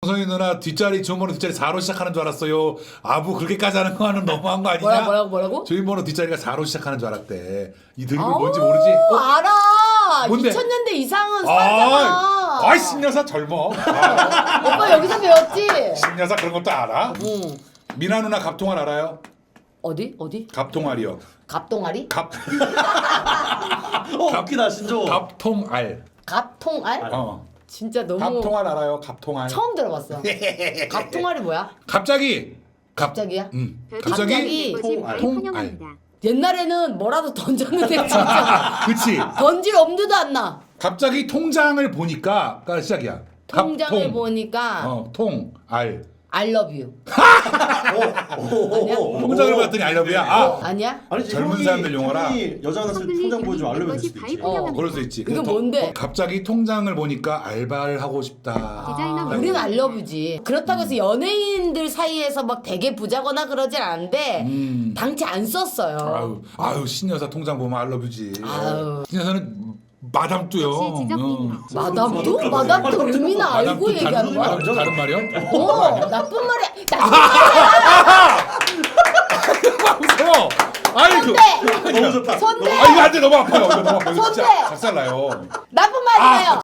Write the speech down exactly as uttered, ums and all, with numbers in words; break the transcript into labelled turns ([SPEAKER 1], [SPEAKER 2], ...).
[SPEAKER 1] 구성이 누나 뒷자리 주인번호 뒷자리 사로 시작하는 줄 알았어요. 아부 그렇게까지 하는 거는 너무한 거 아니냐?
[SPEAKER 2] 뭐라 뭐라고 뭐라고?
[SPEAKER 1] 주인번호 뒷자리가 사로 시작하는 줄 알았대. 이 드립을
[SPEAKER 2] 아우,
[SPEAKER 1] 뭔지 모르지? 어?
[SPEAKER 2] 알아.
[SPEAKER 1] 뭔데?
[SPEAKER 2] 이천 년대 이상은
[SPEAKER 1] 아,
[SPEAKER 2] 살잖아.
[SPEAKER 1] 아이 신여사 젊어. 아,
[SPEAKER 2] 오빠 여기서 배웠지?
[SPEAKER 1] 신여사 그런 것도 알아?
[SPEAKER 2] 응.
[SPEAKER 1] 미나 누나 갑통알 알아요?
[SPEAKER 2] 어디 어디?
[SPEAKER 1] 갑통알이요.
[SPEAKER 2] 갑동아리?
[SPEAKER 1] 갑
[SPEAKER 3] 어 웃기다 신조.
[SPEAKER 1] 갑통알.
[SPEAKER 2] 갑통알?
[SPEAKER 1] 어.
[SPEAKER 2] 진짜 너무
[SPEAKER 1] 갑통알 알아요? 갑통알.
[SPEAKER 2] 처음 들어봤어. 갑통알이 뭐야?
[SPEAKER 1] 갑자기. 갑.
[SPEAKER 2] 갑자기야?
[SPEAKER 1] 음.
[SPEAKER 2] 갑자기
[SPEAKER 1] 통알.
[SPEAKER 4] 환영합니다.
[SPEAKER 2] 옛날에는 뭐라도 던졌는데 진짜
[SPEAKER 1] 그치.
[SPEAKER 2] 던질 엄두도 안 나.
[SPEAKER 1] 갑자기 통장을 보니까 시작이야.
[SPEAKER 2] 통장을
[SPEAKER 1] 갑통.
[SPEAKER 2] 보니까
[SPEAKER 1] 어, 통, 알.
[SPEAKER 2] I love you.
[SPEAKER 3] 오오오.
[SPEAKER 1] 통장을 봤더니 알러브야. 아,
[SPEAKER 2] 아니야?
[SPEAKER 3] 아니
[SPEAKER 1] 젊은
[SPEAKER 3] 형이-
[SPEAKER 1] 사람들 용어라.
[SPEAKER 3] 형이 여자 하나 통장 보여주면 알려줄 수도 있지.
[SPEAKER 2] 어.
[SPEAKER 1] 그럴 수 있지.
[SPEAKER 2] 이거
[SPEAKER 1] 근데 더-
[SPEAKER 2] 뭔데?
[SPEAKER 1] 갑자기 통장을 보니까 알바를 하고 싶다.
[SPEAKER 4] 디자이너
[SPEAKER 1] 라고.
[SPEAKER 2] 우리는 알러브지. 그렇다고 해서 연예인들 사이에서 막 되게 부자거나 그러진 않은데
[SPEAKER 1] 음.
[SPEAKER 2] 당치 안 썼어요.
[SPEAKER 1] 아유, 아유 신여사 통장 보면 알러브지.
[SPEAKER 2] 아유.
[SPEAKER 1] 신여사는 마담뚜요.
[SPEAKER 4] 역시 지적이네요.
[SPEAKER 2] 마담도? 마담도 의미나 알고
[SPEAKER 1] 마담뚜
[SPEAKER 2] 얘기하는
[SPEAKER 1] 다른,
[SPEAKER 2] 거야?
[SPEAKER 1] 마담뚜 다른 말이요?
[SPEAKER 2] 어, 나쁜 말이야. 나쁜 말이야.
[SPEAKER 1] 무서워. 아이고.
[SPEAKER 2] 선대.
[SPEAKER 3] 너무 좋다.
[SPEAKER 2] 선대.
[SPEAKER 1] 아 이거 안돼 너무 아파요. 이거 너무 아파요. 이거 진짜
[SPEAKER 2] 선배!
[SPEAKER 1] 작살나요.
[SPEAKER 2] 나쁜 말이에요.